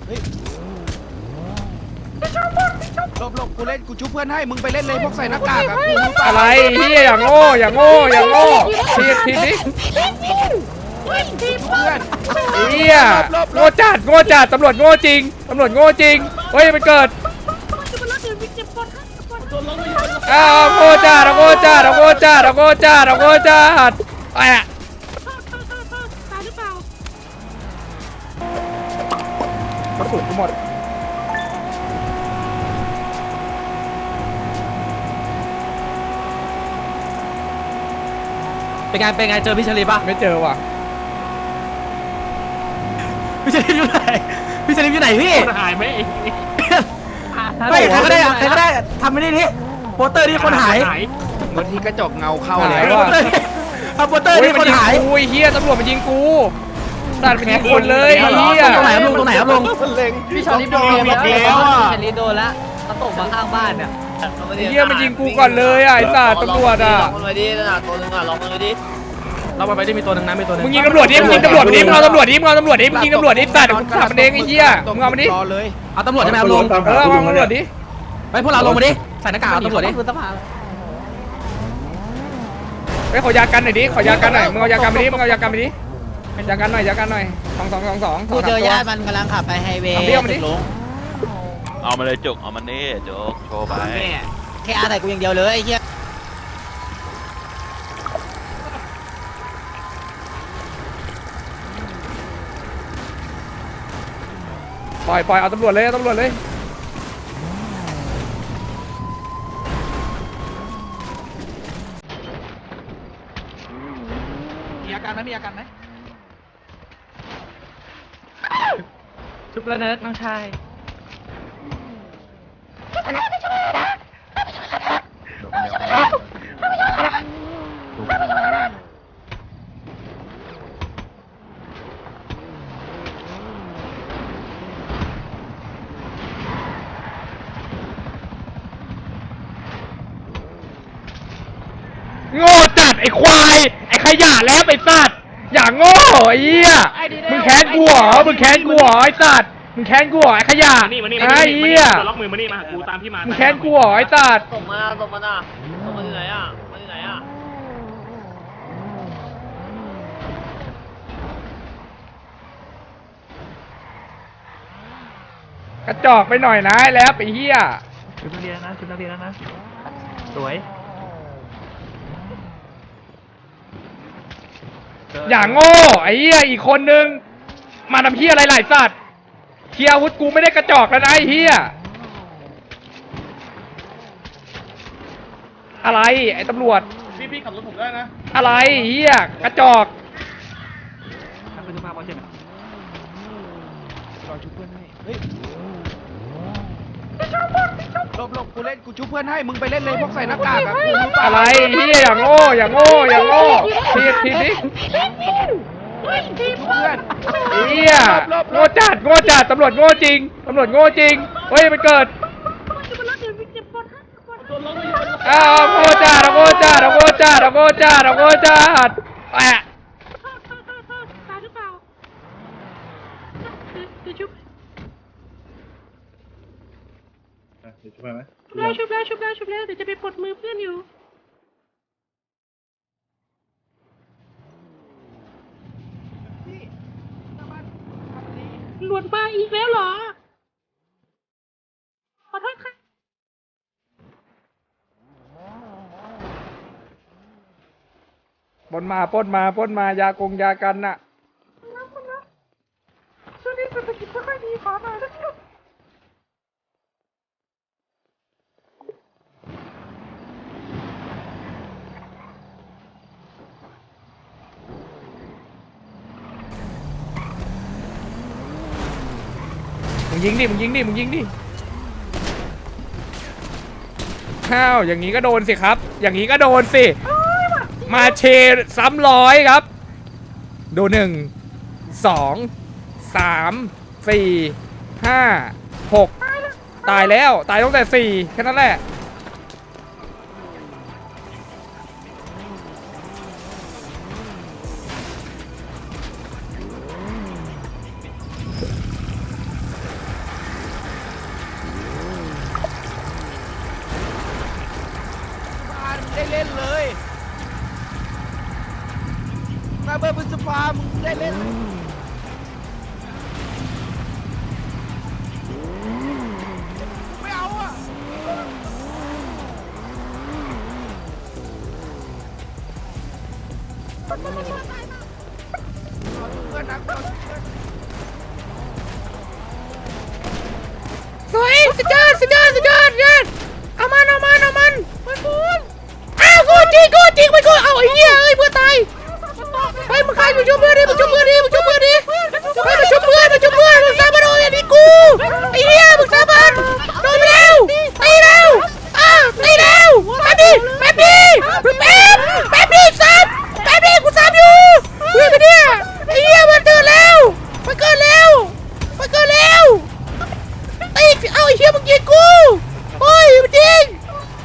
หลบกูเล่นกูชุบเพื่อนให้มึงไปเล่นเลยพวกใส่หน้ากากอะกูอะไรเฮียอย่างโง่ทีนี้เพื่อนเฮียโง่จัดตำรวจโง่จริงเฮ้ยมันเกิดโง่จัดไอ้อะกระสุนกูหมดเป็นไงเจอพี่ชลีป่ะไม่เจอว่ะพี่ชลีอยู่ไหนพี่หายไหมไม่ใครก็ได้ทำไม่ได้นี่โปสเตอร์นี่คนหายบางทีกระจกเงาเข้าเลยทำโปสเตอร์นี่คนหายกูเฮียตำรวจมันยิงกูสัตว์ยิงคนเลยเฮียตรงไหนครับลุงพี่ชอลิฟโดนแล้วพี่ชลิฟโดนแล้วเขาตกมาข้างบ้านเนี่ยเฮียมันยิงกูก่อนเลยไอ้สัตว์ตำรวจอ่ะลองมันไปดินะตัวนึงอ่ะลองมันไปดิเราไปได้มีตัวนึงนะมีตัวนึงมึงยิงตำรวจดิมึงยิงตำรวจดิมึงเอาตำรวจดิมึงยิงตำรวจดิสัตว์มึงขับมันเองไอ้เหี้ยมึงเอามันดิเอาตำรวจใช่ไหมลุงเอาตำรวจดิไปพวกเราลงมาดิใส่หน้ากากเอาตำรวจดิไปขอยากันหน่อยดิขอยากันหน่อยมึงเอายากันไปดิยากันหน่อย2 กูเจอญาติมันกำลังขับไปไฮเวย์เอามาเลยจุกเอามันนี่จุกโชว์ไปแค่อาใส่กูอย่างเดียวเลยไอ้เหี้ยปล่อยเอาตำรวจเลยมีอาการไหมชุบแล้วเนิร์ดน้องชายโง่จัดไอ้ควายไอ้ขยะแล้วไอ้สัตว์อย่างโง่ไอ้เหี้ยมึงแค้นกูเหรอไอ้สัตว์มึงแค้นกูเหรอไอ้ขยะไอ้เหี้ยล็อกมือมานี่มากูตามพี่มามึงแค้นกูเหรอไอ้สัตว์ส่งมาที่ไหนอ่ะกระจอกไปหน่อยนะแล้วไอ้เหี้ยชุดนักเรียนนะสวยอย่างโง่ไอ้เหี้ยอีกคนนึงมาทำเหี้ยอะไรหลายสัตว์เทียอาวุธกูไม่ได้กระจอกแล้วนะไอ้เหี้ยอะไรไอ้ตำรวจพี่ขับรถผมได้นะอะไรเหี้ยกระจอกหลบกูเล่นกูชุบเพื่อนให้มึงไปเล่นเลยพวกใส่หน้ากากอะกูอะไรเฮียอย่างโง่ทีนี้เพื่อนเฮียโง่จัดตำรวจโง่จริงเฮ้ยมันเกิดโง่จัดแอะชุบแล้วเดี๋ยวจะไปปลดมือเพื่อนอยู่หลวดมาอีกแล้วเหรอขอโทษค่ะปล้นมายากันน่ะช่วงนี้เศรษฐกิจไม่ค่อยดีขอหน่อยนะครับมึงยิงดิข้าวอย่างนี้ก็โดนสิครับมาเชซ้ำร้อยครับดู1 2 3 4 5 6ตายตั้งแต่4แค่นั้นแหละได้เล่นไม่เอาอ่ะเพื่อนนะสวยสุดยอดเอามันอ้าวกูจริงมันกูเอาไอ้เหี้ยเอ้ยเพื่อนตายไปมึงใครมึงชุบเพื่อนดิมึงชุบเพื่อนมึงสาบานโดนอย่างนี้กูไอ้เหี้ยมึงสาบานโดนไปแล้วตีแล้วตีแล้วแป๊บดิซ้ำกูซ้ำอยู่เฮ้ยไปเนี่ยไอ้เหี้ยมันเกิดแล้วตีเอาไอ้เหี้ยมึงยิงกูโอ้ยมันยิง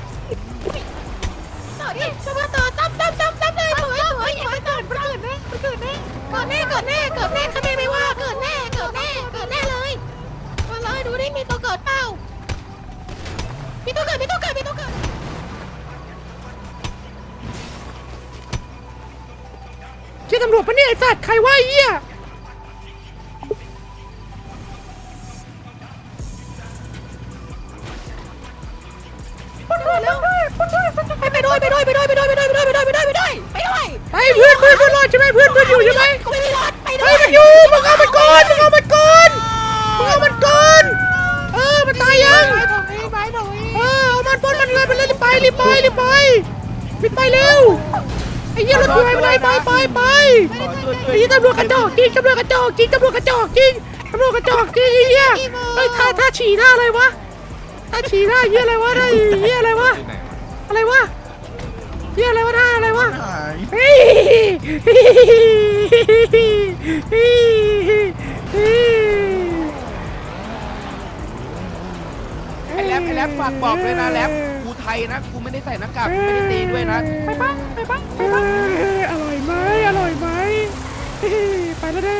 ช่วยมาต่อตั้มเลยสวยเกิดแน่ข้าไม่ว่าเกิดแน่เลยมาเลยดูดิมีตัวเกิดเปล่ามีตัวเกิดใช่ตำรวจปะเนี่ยไอ้สัตว์ใครว่าไอ้เหี้ยไปด้วยไปเพื่อนรอดใช่ไหมเพื่อนอยู่ใช่ไหมกูไม่มีรถไปด้เฮ้วยมันอยู่มึงเอามันก่อนมันตายยังเอามันปนมันเลยไปเลยรีบไปเร็วไอ้เหี้ยรถกูไปไอ้เหี้ยตำรวจกระจอกจริงไอ้เหี้ยเฮ้ยท่าฉี่ท่าอะไรวะเหี้ยอะไรวะท่าเหี้ยอะไรวะท่าอะไรวะเฮ้ยไอ้แรปฝากบอกด้วยนะแรปกูไทยนะกูไม่ได้ใส่หน้ากากกูไม่ได้ตีด้วยนะไปบ้างอร่อยไหมไปแล้วเด้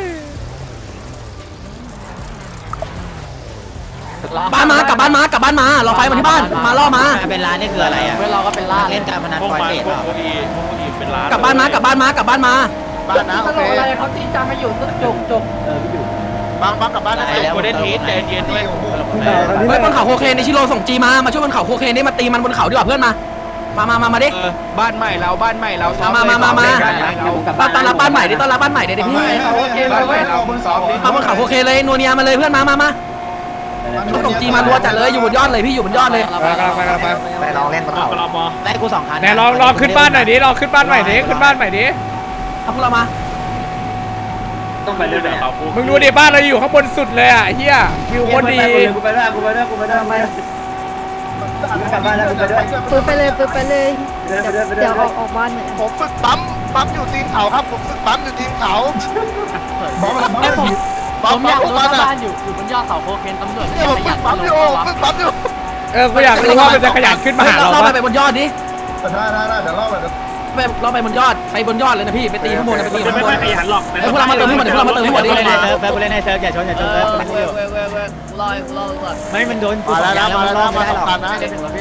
บ้านมากลับบ้านมาเราไฟมาที่บ้านมาล่อมาเป็นร้านนี่คืออะไรอ่ะเพื่อนเราก็เป็นร้านเล่นการพนันพวกไฟมันเบสพวกพวกอีเป็นร้านกลับบ้านมาบ้านนะโอเคบ้านนะกูได้ทีใจเย็นด้วยเฮ้ยบนเขาโคเคนในชิโร่ส่งจีมาช่วยบนเขาโคเคนนี่มาตีมันบนเขาดีกว่าเพื่อนมาดิบ้านใหม่เราซ้อมมาบ้านใหม่เราต้อนรับบ้านใหม่ดิบ้านใหม่เดี๋ยวพี่บ้านใหม่เรามึงซ้อมดิมาบนเขาโคเคนเลยนัวเนียมาเลยเพื่อนมาเขาส่งจีมารัวจัดเลยอยู่บนยอดเลยพี่อยู่บนยอดเลยไปลองเล่นบนเขาได้กู2 คันไหนลองขึ้นบ้านหน่อยดิขึ้นบ้านใหม่ดิเอาพวกเรามาต้องไปเรื่อยๆเขามึงดูดิบ้านเราอยู่ข้างบนสุดเลยอ่ะเฮียวิวโคตรดีปืนไปเลยเดี๋ยวออกบ้านเหมือนผมฝึกปั๊มอยู่ตีนเขาครับผมฝึกปั๊มอยู่ตีนเขาปั๊มมาบ้านอยู่บนยอดเขาโคเคนตำรวจเนี่ยผมฝึกปั๊มอยู่กูอยากรู้ว่ามันจะขยันขึ้นมาหาเราเราปะไปบนยอดดิได้เดี๋ยวเล่าไปเราไปบนยอดเลยนะพี่ไปตีข้างบนไปตีข้างบนไม่ขยันหรอกไอ้พวกเรามาเติมให้หมดดิพวกเรามาเติมให้หมดดิเล่นในเซิร์ฟกูเล่นในเซิร์ฟอย่าชนไม่มันโดนกูมาแล้วมันรอดไม่ได้หรอกคันนะ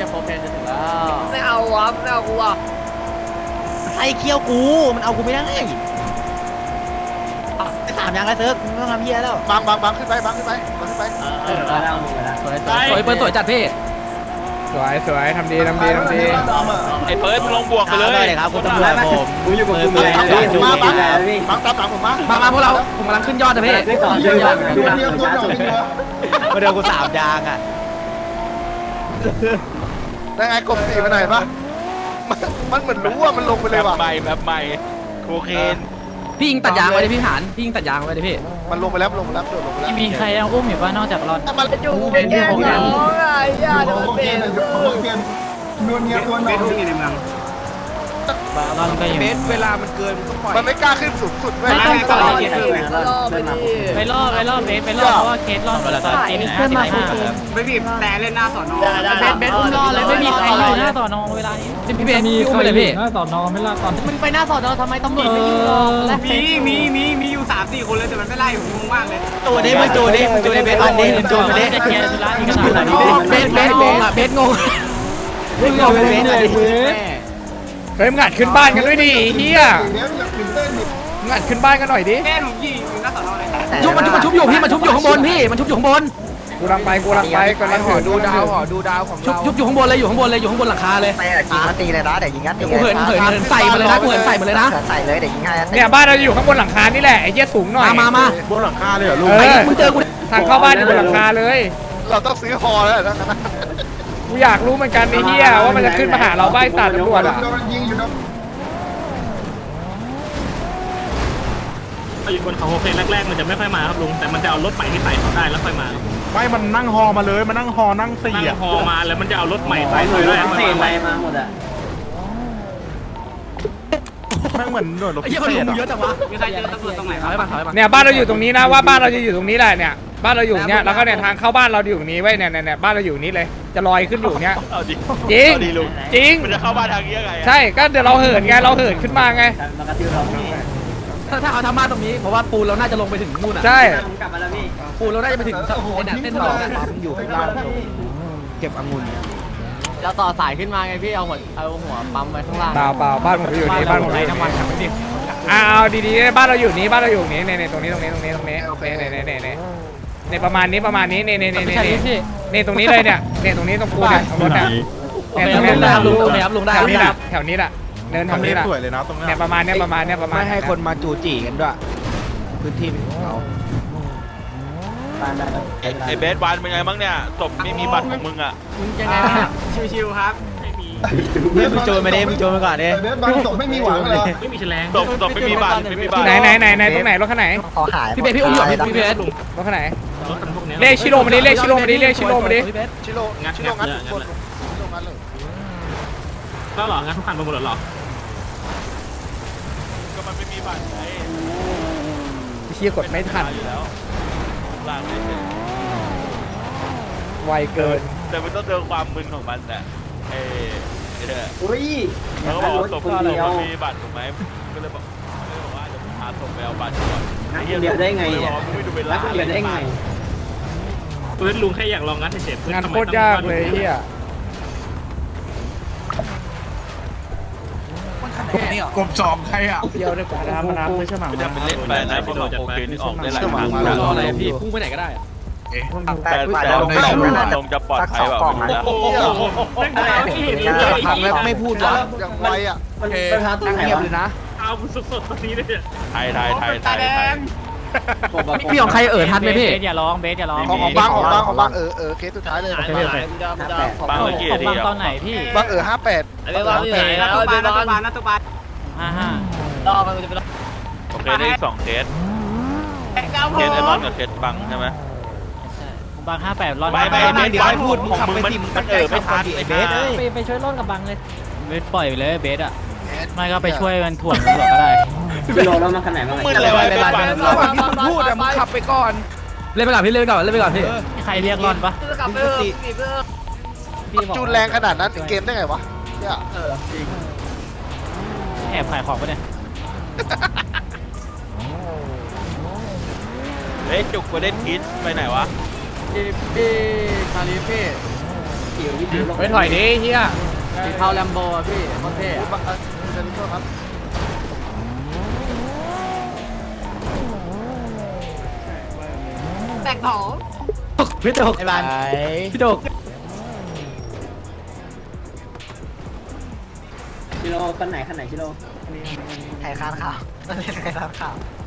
ไอ้เคี้ยวกูมันเอากูไม่ได้3 อย่างแล้วเซิร์ฟมึงต้องทำเพี้ยแล้วบังขึ้นไปสวยเปิดสวยจัดพี่สวยทำดีไอ้เฟิร์สมึงลงบวกไปเลยเลยครับคุณตำรวจผมอยู่กับคุณเลยบังตามผมมาพวกเราผมกำลังขึ้นยอดนะพี่มาเดินกู3 อย่างอ่ะได้ไงกบสีมาหน่อยปะมันเหมือนรู้ว่ามันลงไปเลยว่ะแบบใหม่โคเคนพี่ยิงตัดยางไว้ดิพี่หานพี่ยิงตัดยางไว้ดิพี่มันลงไปแล้วโดดลงไปแล้วมีใครยังอุ้มอยู่ป่ะนอกจากรอนมันอยู่เป็นแก้วน้องไอ้ย่าโดนเป็นรอนก็อยู่เบสเวลามันเกินมึงต้องปล่อยมันไม่กล้าขึ้นสูงสุดเว้ยไปรอบเบสเพราะว่าเคสรอบตอนตี1:55 ไม่บีบแต่เล่นหน้าสอนอเบสอุ้มรอเลยไม่มีใครอยู่หน้าสอนอเวลานี้พี่เบสพี่อุ้มไปเลยพี่มึงไปหน้าสอนอทำไมตำรวจไม่อยู่หรอกมีอยู่3-4 คนเลยแต่มันไม่ไล่ผมงงมากเลยตัวนี้มึงตัวนี้เบสอันนี้ตัวนี้จะเคลียร์ธุระที่ขนาดไหนเบสงงอ่ะเบสงงมึงเอาเบสเลยเฮ้ยมึงอัดขึ้นบ้านกันด้วยดิเฮียงานขึ้นบ้านกันหน่อยดิชุบมันชุบอยู่พี่มันชุบอยู่ข้างบนพี่มันชุบอยู่ข้างบนกูรังไปกำลังหอเหินดูดาวหอดูดาวของชุบเราชุบอยู่ข้างบนเลยอยู่ข้างบนเลยอยู่ข้างบนหลังคาเลยไม่ยิงมาตีเลยนะเดี๋ยวยิงงัดตีกูเหินใส่มาเลยนะกูเหินใส่มาเลยนะใส่เลยเดี๋ยวยิงให้เนี่ยบ้านเราอยู่ข้างบนหลังคานี่แหละไอ้เหี้ยสูงหน่อยมาบนหลังคาเลยเหรอลุงเออมึงเจอกูทางเข้าบ้านอยู่บนหลังคาเลยเราต้องซื้อฮอแล้วนะกูอยากรู้เหมือนกันไอ้เหี้ยว่ามันจะขึ้นมาหาเราบ้านตาตำรวจอ่ะยิงอยู่นะอยู่บนเขาโอเคแรกๆมันจะไม่ค่อยมาครับลุงแต่มันจะเอารถใหม่ที่ใส่เขาได้แล้วค่อยมาไม่มันนั่งฮอมาเลยมันนั่งฮอนั่งสี่นั่งอ่ะฮอมาแล้วมันจะเอารถใหม่ใส่เขาได้เศษอะไรมาหมดอ่ะแม่งเหมือนหน่วยรบไอ้พิเหี้ยเศมันษเยอะจังวะมีใครเจอตำรวจตรงไหนถอยมาถอยมาเนี่ยบ้านเราอยู่ตรงนี้นะว่าบ้านเราจะอยู่ตรงนี้แหละเนี่ยบ้านเราอยู่เนี่ยแล้วก็เนี่ยทางเข้าบ้านเราอยู่ตรงนี้ไว้เนี่ยบ้านเราอยู่นี้เลยจะลอยขึ้นอยู่เนี่ยเอาดิจริงเอาดิลุงจริงมันจะเข้าบ้านทางนี้ยังไงอะใช่ก็เดี๋ยวเราเหินไงเราเหินขึ้นมาไงถ้าเขาทำบ้านตรงนี้เพราะว่าปูนเราน่าจะลงไปถึงนู่นอ่ะใช่ปูนเราน่าจะไปถึงเส้นทองน่ะปั๊มอยู่ข้างล่างเก็บองุ่นเราต่อสายขึ้นมาไงพี่เอาหัวปั๊มไว้ข้างล่างเปล่าบ้านผมอยู่นี่บ้านผมอยู่น้ำมันนี่ทำไม่ดีเอาดีๆบ้านเราอยู่นี้บ้านเราอยู่นี้เนี่ยตรงนี้เนี่ยประมาณนี้เนี่ยเนี่ยตรงนี้เลยเนี่ยตรงนี้ตรงปูเนี่ยตรงรถเนี่ยโอเคลุงได้ครับลุงโอเคครับลุงได้แถคว รับนี้แหละแถวนี้แหละเนินแถวนี้แหละสวยเลยนะตรงนี้เนี่ยประมาณเนี้ยไม่ให้คนมาจูจีกันด้วยพื้นที่เป็นของเราไอ้เบสบานเป็นไงบ้างเนี่ยศพไม่มีบัตรของมึงอ่ะยังไงชิวๆครับไม่มีมึงโจรมาดิมึงโจรมาก่อนดิบางศพไม่มีหวังเลยไม่มีแฉลงศพไม่มีบัตรไม่มีบัตรไหนตรงไหนรถคันไหนขอหายพี่เบสพี่อุ้มอยู่พี่เบสรถคันไหนรถคันพวกนี้เลขชิโร่มาดิเลขชิโร่มาดิชิโร่งัดทุกคนชิโร่งัดเลยแล้วหรองั้นทุกคันไปหมดหรอก็มันไม่มีบัตรไงเชี่ยกดไม่ทันอยู่แล้วล่างไม่เฉยไวเกินแต่มันต้องเจอความมึนของมันแหละไอ้เนี่ยเขาก็บอกว่าศพมันมีบัตรถูกไหมก็เลยบอกว่าเดี๋ยวพาศพไปเอาบัตรก่อนเดียวได้ไงเนี่ยไม่ดูเวลาได้ไงเพื่อนลุงแค่อยากลองงัดเฉยงานโคตรยากเลยเฮียกบสองใครอ่ะเที่ยวด้วยกันน้ำไม่ใช่หมาไม่จะเป็นเล่นไปนะเพราะเราโอเคนี่ออกได้หลายทางรออะไรพี่พุ่งไปไหนก็ได้แต่ลงจะปลอดภัยแบบนี้นะพังแล้วไม่พูดวะอย่างไวอ่ะนั่งเงียบเลยนะเอาสดๆตอนนี้เลยไทยพี่ของใครทันไหมพี่เบสอย่าร้องเบสอย่าร้องของบางเคสสุดท้ายเลยบางเมื่อกี้ของที่บางตอนไหนพี่บาง58 ไอ้บางอยู่ไหนแล้วไอ้บางนัตุบาน55รอมันจะไปรอโอเคได้2เคสเคสไอ้บอลกับเคสบังใช่ไหมบาง58รอไม่เดี๋ยวให้พูดมึงขับไปสิมึงไม่ทันไอ้เบสไปช่วยร่อนกับบังเลยเบสปล่อยไปเลยเบสอ่ะไม่ก็ไปช่วยมันถ่วงตำรวจก็ได้มึงเลยไอ้เบสบังระหว่างที่มึงพูดอะมึงขับไปก่อนเล่นไปก่อนพี่เล่นไปก่อนพี่ใครเรียกร่อนปะจูนแรงขนาดนั้นเกมได้ไงวะเนี่ยแอบขายของปะเนี่ยเฮ้ยจุกกูเล่นคิดไปไหนวะไปถอยดิเฮียสีเทาแลมโบพี่โคตรเท่แตกหอมพี่โดกไอ้บ้านพี่โดกไทยคานข่าวไทยคานข่าว